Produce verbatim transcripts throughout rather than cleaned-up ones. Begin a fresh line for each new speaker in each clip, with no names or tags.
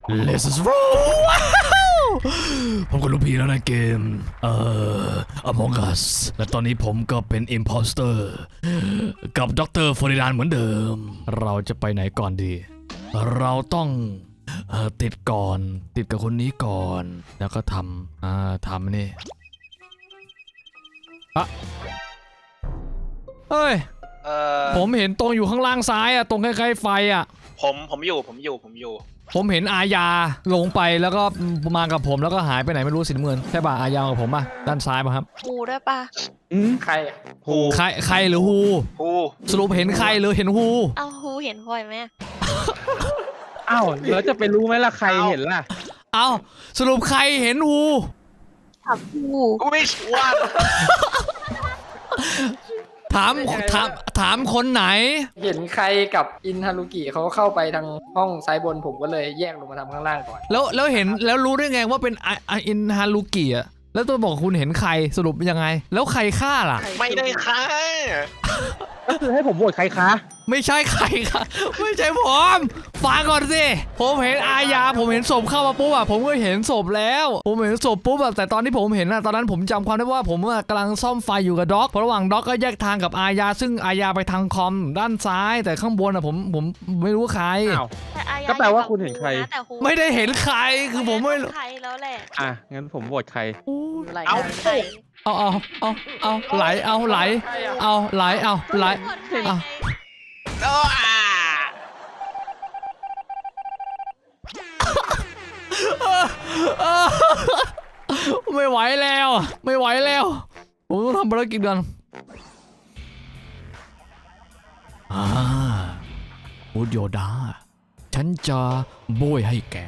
Let's roll ผมก็รู้พีแล้วในเกมเอ่อ Among Us และตอนนี้ผมก็เป็น Imposter กับดรฟอริดานเหมือนเดิมเราจะไปไหนก่อนดีเราต้องเอ่อติดก่อนติดกับคนนี้ก่อนแล้วก็ทำอ่าทำนี่อะเฮ้ย
เออ
ผมเห็นตรงอยู่ข้างล่างซ้ายอะตรงใกล้ๆไฟอะ
ผมผมอยู่ผมอยู่ผมอยู่
ผมเห็นอาญาลงไปแล้วก็มากับผมแล้วก็หายไปไหนไม่รู้สีน้ำเงินใช่ป่ะอาญากับผมป่ะด้านซ้ายป่ะครับ
ฮูด้วยป่ะ
อืมใคร
ฮู
ใครใครหรือฮู
ฮู
สรุปเห็นใครหรือเห็นฮู
เอาฮูเห็นพลอยไหม
อ้าวแล้วจะไปรู้ไหมล่ะใครเห็นล่ะ
เอาสรุปใครเห็นฮู
ถามฮู
กูไม่ชัวร์
ถามถามถามคนไหน
เห็นใครกับอินฮารุกิเขาเข้าไปทางห้องซ้ายบนผมก็เลยแยกลงมาทำข้างล่างก่อน
แล้วแล้วเห็นแล้วรู้ได้ไงว่าเป็นอินฮารุกิอะแล้วตัวบอกคุณเห็นใครสรุปยังไงแล้วใครฆ่าล่ะ
ไม่ได้ฆ่า
ก็คือให้ผมโหวตใครคะ
ไม่ใช่ใครค่ะไม่ใช่ผมฟังก่อนสิผมเห็นอาญาผมเห็นศพเข้ามาปุ๊บอะผมก็เห็นศพแล้วผมเห็นศพปุ๊บอะแต่ตอนที่ผมเห็นอะตอนนั้นผมจำความได้ว่าผมกำลังซ่อมไฟอยู่กับด็อกเพราะระหว่างด็อกก็แยกทางกับอาญาซึ่งอาญาไปทางคอมด้านซ้ายแต่ข้างบนอะผมผมไม่รู้ใคร
ก็แปลว่าคุณเห็นใคร
ไม่ได้เห็นใครคือผมไม่
ใครแล้วแหละ
อ่ะงั้นผมโหวตใคร
เอา
เอาเอาเอาเอาไหลเอาไหลเอาไหลเอาไหลเอาไม่ไหวแล้วไม่ไหวแล้วผมต้องทำภารกิจกันอ่าพูดโยดาฉันจะโบยให้แก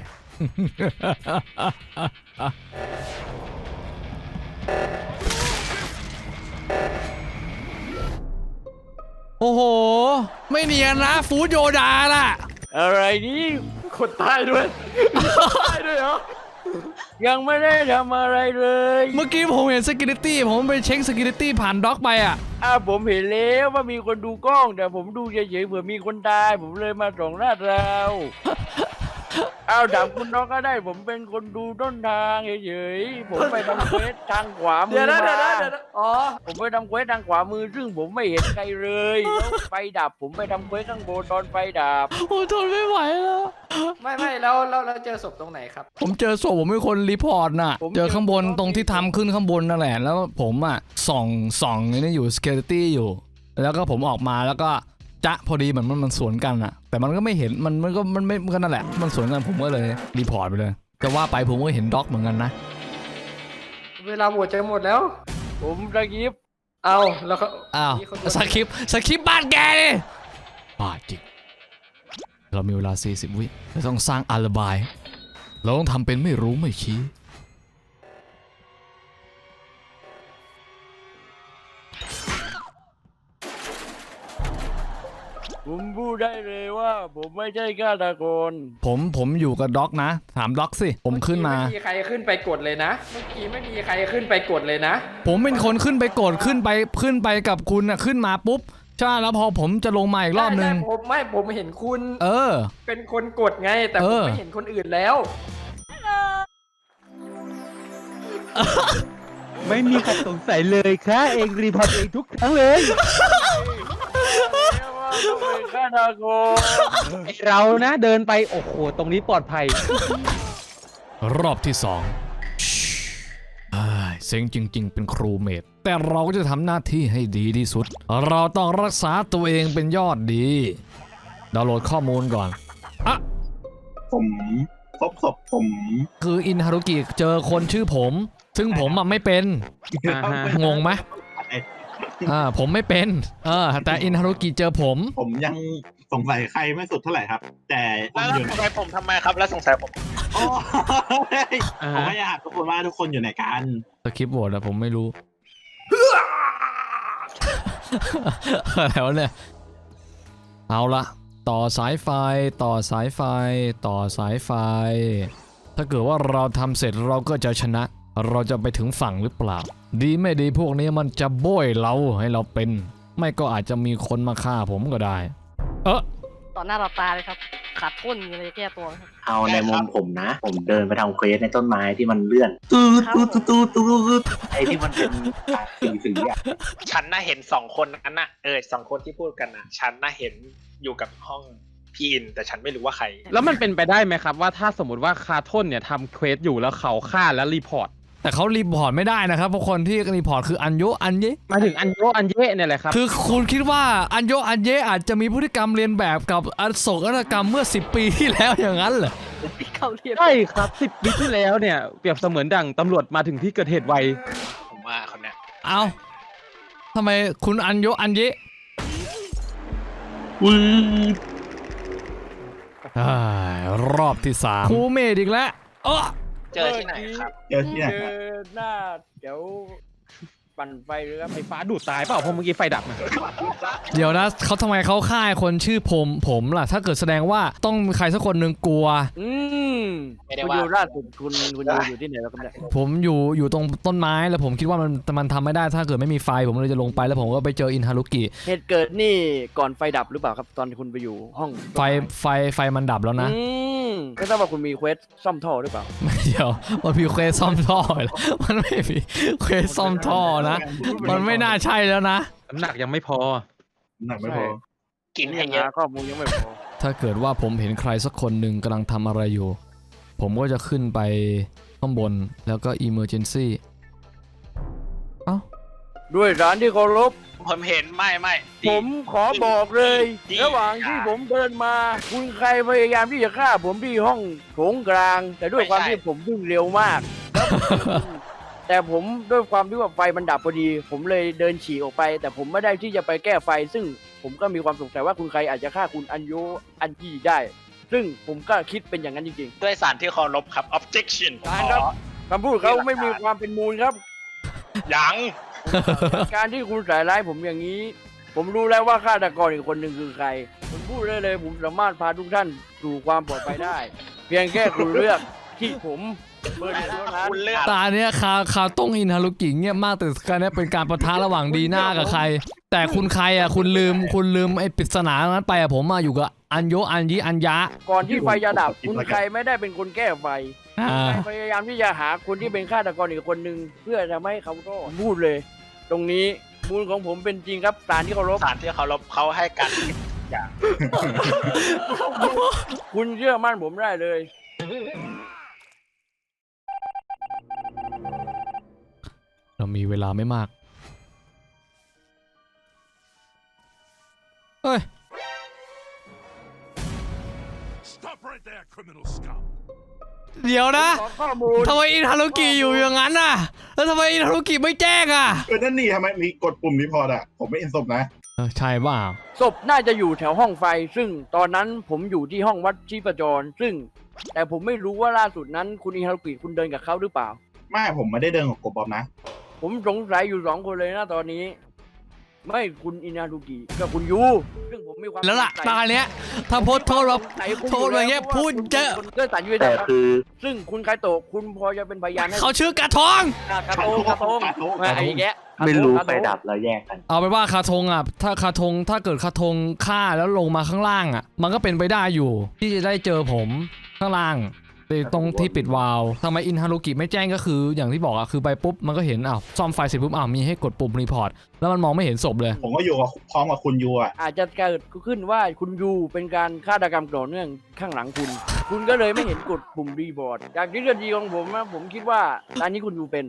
โอ้โหไม่เนียนนะฟูดโยดาล่ะ
อะไรนี่คนใต้ด้วยใต้ด้วยเหรอยังไม่ได้ทำอะไรเลย
เมื่อกี้ผมเห็น security ผมไปเช็ค security ผ่านด็อกไปอ่ะ
อ่าผมเห็นแล้วว่ามีคนดูกล้องแต่ผมดูเฉยๆเผื่อมีคนตายผมเลยมาส่องลาดเราเอาดับคุณน้องก็ได้ผมเป็นคนดูต้นทางเฉยๆผมไปทำเควสทางขวามือมาอ๋อผมไปทำเควสทางขวามือซึ่งผมไม่เห็นใครเลยแล้วไฟดับผมไปทำเควสข้างบนตอนไฟดับ
โอ้ทนไม่ไหวแล้ว
ไม่ไม่แล้วแล้วเจอศพตรงไหนครับ
ผมเจอศพผมเป็นคนรีพอร์ตน่ะเจอข้างบนตรงที่ทำขึ้นข้างบนนั่นแหละแล้วผมอ่ะส่องส่องนี่อยู่ security อยู่แล้วก็ผมออกมาแล้วก็จะพอดีเหมือนมันมันสวนกันอะแต่มันก็ไม่เห็นมันมันก็มันไม่ก็นั่นแหละมันสวนกันผมก็เลยรีพอร์ตไปเลยจะว่าไปผมก็เห็นด็อกเหมือนกันนะ
เวลาหมดใจหมดแล้วผมสกิปเอาแล้วเขา
อ้าวสคริปสคริปบ้านแกเลยบ้าจริงเรามีเวลาสี่สิบวิเราต้องสร้างอาลิบายเราต้องทำเป็นไม่รู้ไม่ชี้
ผมพูดได้เลยว่าผมไม่ใช่ฆาตกร
ผมผมอยู่กับด็อกนะถามด็อกสิผมขึ้นมา
ไม่มีใครขึ้นไปกดเลยนะเมื่อกี้ไม่มีใครขึ้นไปกดเลยนะ
ผมเป็นคนขึ้นไปกดขึ้นไปขึ้นไปกับคุณนะขึ้นมาปุ๊บใช่แล้วพอผมจะลงมาอีกรอบนึง
ผมไม่ผมเห็นคุณ
เออ
เป็นคนกดไงแต่ผมไม่เห็นคนอื่นแล้วไม่มีใครสงสัยเลยค่ะเองรีพอร์ตเองทุกครั้งเลยฆาตกรเรานะเดินไปโอ้โหตรงนี้ปลอดภัย
รอบที่สองเซ็งจริงๆเป็นครูเมดแต่เราก็จะทำหน้าที่ให้ดีที่สุดเราต้องรักษาตัวเองเป็นยอดดีดาวน์โหลดข้อมูลก่อนอะ
ผมพบศพผม
คืออินฮารุกิเจอคนชื่อผมซึ่งผมอ่ะไม่เป็นงงไหมอ่าผมไม่เป็นเออแต่อินฮารุกิเจอผม
ผมยังสงสัยใครไม่สุดเท่าไหร่ครับแต่
แล้วสงสัยผมทำไมครับแล้วสงสัยผม
ผมไม่อยากทุกคนว่าทุกคนอยู่ไหนกัน
สคริปต์โหวตอะผมไม่รู้แล้วเนี่ยเอาละต่อสายไฟต่อสายไฟต่อสายไฟถ้าเกิดว่าเราทำเสร็จเราก็จะชนะเราจะไปถึงฝั่งหรือเปล่าดีไม่ดีพวกนี้มันจะโบยเราให้เราเป็นไม่ก็อาจจะมีคนมาฆ่าผมก็ได้เออ
ต่อหน้าต่อตาเลยครับ ขาดทุนมีอะไรจะแก้ตัวไหมครับ
เอาในมุมผมนะ ผมเดินไปทำเควสในต้นไม้ที่มันเลื่อนตูดตูดตูดตูดตูดไอ้ที่มันเป็นสีสีอ่ะ
ฉันน่าเห็นสองคนนั้นน่ะเออสองคนที่พูดกันน่ะ ฉันน่าเห็นอยู่กับห้องพี่อิน แต่ฉันไม่รู้ว่าใคร
แล้วมันเป็นไปได้ไหมครับว่าถ้าสมมติว่าคาทนเนี่ยทำเควสอยู่แล้วเขาฆ่าแล้วรีพอร์ต
แต่เขารีพอร์ตไม่ได้นะครับเพราะคนที่รีพอร์ตคืออันโยอันเย
หมายถึงอันโยอันเย่เนี่ยแหละครับ
คือคุณคิดว่าอันโยอันเยอาจจะมีพฤติกรรมเรียนแบบกับอโศกนาฏกรรมเมื่อสิบปีที่แล้วอย่างนั้นเหรอ
เขาเรียน
ใช่ครับสิบปีที่แล้วเนี่ยเปรียบเสมือนดั่งตำรวจมาถึงที่เกิดเหตุไว
ผมว่าคนเนี้ย
เอาทำไมคุณอันโยอันเย
วืด
อ่ารอบที่สามครูเมดอีกแล้วเออ
เจอที่ไหนครับ
เจอที่ไหน
เจ
ครับ
อหน้าเดี๋ยวปั่นไฟเลยครับ
ไฟฟ้าดูดตายเปล่าเพราะเมื่อกี้ไฟดับนะ
เดี๋ยวนะเขาทำไมเขาฆ่าคนชื่อผมผมล่ะ ถ้าเกิดแสดงว่าต้องมีใครสักคนหนึ่งกลัว
อืม
ไม่ได้
คุณ
ว่า
อยู่ล่าสุดคุณคุณอยู่อยู่ที่ไหนแล้วครับเนี่ย
ผมอยู่อยู่ตรงต้นไม้แล้วผมคิดว่ามันมันทำไม่ได้ถ้าเกิดไม่มีไฟผมเลยจะลงไปแล้วผมก็ไปเจออินฮารุกิ
เหตุเกิดนี่ก่อนไฟดับหรือเปล่าครับ ตอนที่คุณไปอยู่ห้อง
ไฟไฟไฟมันดับแล้วนะ
อืมไม่ทราบว่าคุณมีเควสซ่อมท่อหรือเปล่า
เดี๋ยวมันมีเควสซ่อมท่อเหรอมันไม่มีเควสซ่อมท่อนะ มันไม่น่าใช่แล้วนะ
น้ำหนักยังไม่พอ
หนักไม่พอ
กิน
นี่
ให้
ยัง
เยอะ
หาข้อมูลยังไม่พอ
ถ้าเกิดว่าผมเห็นใครสักคนหนึ่งกำลังทำอะไรอยู่ ผมก็จะขึ้นไปข้างบนแล้วก็ emergency เอ้า
ด้วยสารที่เคารพ
ผมเห็นไม่ไม่ดี
ผมขอบอกเลย
ดี
ระหว่างที่ผมเดินมา คุณใครพยายามที่จะฆ่าผมที่ห้องโถงกลาง แต่ด้วยความที่ผมวิ่งเร็วมากแล้วผมแต่ผมด้วยความที่ว่าไฟมันดับพอดี ผมเลยเดินฉี่ออกไป แต่ผมไม่ได้ที่จะไปแก้ไฟ ซึ่งผมก็มีความสงสัยว่าคุณใครอาจจะฆ่าคุณอันโยอันยี่ได้ ซึ่งผมก็คิดเป็นอย่างนั้นจริง
ด้วยสารที่เคารพครับ objection
ๆการครับคำพูดเขาไม่มีความเป็นมูลครับ
ยัง
การที่คุณใส่ร้ายผมอย่างนี้ ผมรู้แล้วว่าฆาตกรอีกคนหนึ่งคือใคร ผมพูดได้เลยผมสามารถพาทุกท่านสู่ความปลอดภัยได้ เพียงแค่คุณเลือกที่ผมเบอร์หนึ่งเท่านั้น
คุณเลือก
ตาเนี้ยคาคาต้องอินฮารุกิเงียบมากแต่การเนี้ยเป็นการประทะระหว่างดีหน้ากับใคร แต่คุณใครอ่ะคุณลืมคุณลืมไอ้ปริศนานั้นไปอ่ะผมมาอยู่กับอันโยอันยีอันยะ
ก่อนที่ไฟจะดับ คุณใครไม่ได้เป็นคนแก้ไฟ
อ่า
พยายามที่จะหาคนที่เป็นฆาตกรอีกคนหนึ่งเพื่อจะไม่ให้เขารอดพูดเลย ตรงนี้มูลของผมเป็นจริงครับสารที่เคารพ
สารที่เคารพเขาให้กันอย่าง
คุณเชื่อมั่นผมได้เลย
เรามีเวลาไม่มาก เฮ้ย
Stop right there, criminal scum.
เดี๋ยวนะ
ขอข้อมูล
ทำไมอินฮารุกิอยู่อย่างนั้นน่ะ แล้วทำไมอินฮารุกิไม่แจ้งอ่ะ
เออนั่นนี่ทำไมมีกดปุ่มรีพอร์ตอ่ะ ผมไม่เอ็นศพนะ
เออใช่เปล่า
ศพน่าจะอยู่แถวห้องไฟ ซึ่งตอนนั้นผมอยู่ที่ห้องวัดชีพจร ซึ่ง แต่ผมไม่รู้ว่าล่าสุดนั้นคุณอิฮารุกิคุณเดินกับเขาหรือเปล่า
ไม่ผมไม่ได้เดินกับกบบอมนะ
ผมสงสัยอยู่สองคนเลยนะตอนนี้ ไม่คุณอินารุกิกับคุณยูซึ่งผมมีความ
แล้วล่ะ
สงสัย
ตาเนี้ยถ้าโพสต์โทษเรา
สงสัยคุณ
โทษอะไรเงี้ย
พราะว่า
พูด
คุณ
เยอะ
ป็นคนเกิดสัญญา
แต่
ครับ
คือ
ซึ่งคุณไคโตะคุณพอจะเป็นพยานให้
เขาชื่อกระทง
อ่ะกระโตงกระโตง
กระโตง
มาไอ้แกะ
ไม่รู้
กะ
ไฟ
โตง
ดับแล้วแยกกัน
เอาไปนว่าคาทงอ่ะ ถ้าคาทงถ้าเกิดคาทงฆ่าแล้วลงมาข้างล่างอ่ะ มันก็เป็นไปได้อยู่ ที่จะได้เจอผมข้างล่างตรงที่ปิดวาล์วทำไมอินฮารุกิไม่แจ้งก็คืออย่างที่บอกอ่ะคือไปปุ๊บมันก็เห็นอ้าวซ่อมไฟเสร็จปุ๊บอ้าวมีให้กดปุ่มรีพอร์ตแล้วมันมองไม่เห็นศพเลย
ผมก็อยู่กับพร้อมกับคุณยูอ่ะ
อาจจะเกิดขึ้นว่าคุณยูเป็นการฆาตกรรมต่อเนื่องข้างหลังคุณ คุณก็เลยไม่เห็นกดปุ่มรีบอร์ดจากทฤษฎีของผมนะผมคิดว่าร้านนี้คุณยูเป็น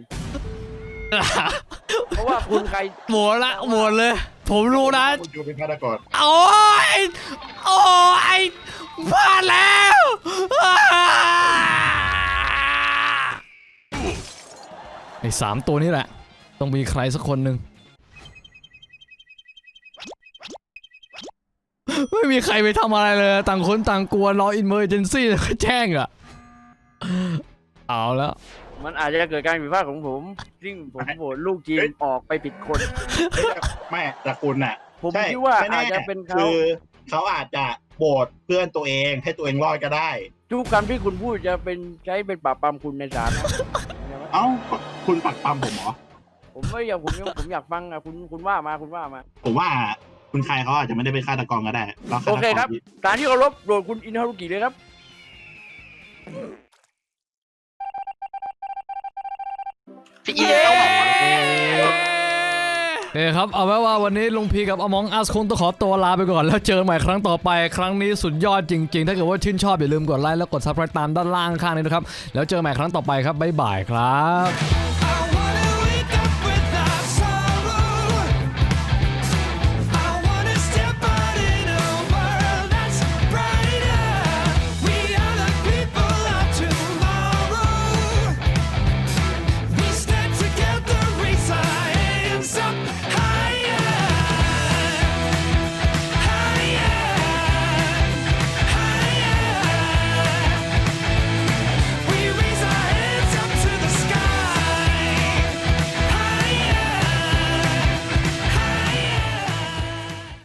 เพราะว่าคุณใคร
หมดละหมดเลย ผมรู้นะ
คุณยูเป็นฆาตกร
โอ้ยโอ้ยพลาดแล้วไอ้สามตัวนี้แหละ ต้องมีใครสักคนหนึ่งไม่มีใครไปทำอะไรเลยต่างคนต่างกลัวรออินเมอร์เจนซี่แล้วก็แจ้งอ่ะเอาแล้ว
มันอาจจะเกิดการผิดพลาดของผมซึ่งผมโหวตลูกจีนออกไปผิดคน
ไม่แต่คุณน่ะ
ผม
ใช่
คิดว่า
ไม่แ
อาจจะเป็นเขา
คือเขาอาจจะโบดเพื่อนตัวเองให้ตัวเองรอดก็ได้
ทุกคำที่คุณพูดจะเป็นใช้เป็นปราบปรามคุณในศาลนะ
เอ้าคุณปักปั๊มผมเหรอ
ผมไม่อยากผมผมอยากฟังอ่ะคุณคุณว่ามาคุณว่ามา
ผมว่าคุณคายเขาอาจจะไม่ได้เป็นฆาตกรก็ได้เราฆาตก
โอเคครับ สารที่เคารพโดดคุณอินฮารุกิเลยครับ
พี่อินต้องบอกว่า
เอ้ครับเอาไว้ว่าวันนี้ลุงพีกับอมองอัสคงต้องขอตัวลาไปก่อนแล้วเจอใหม่ครั้งต่อไปครั้งนี้สุดยอดจริงๆ ถ้าเกิดว่าชื่นชอบอย่าลืมกดไลค์แล้วกดซับสไครต์ตามด้านล่างข้างนี้นะครับแล้วเจอใหม่ครั้งต่อไปครับบ๊ายบายครับ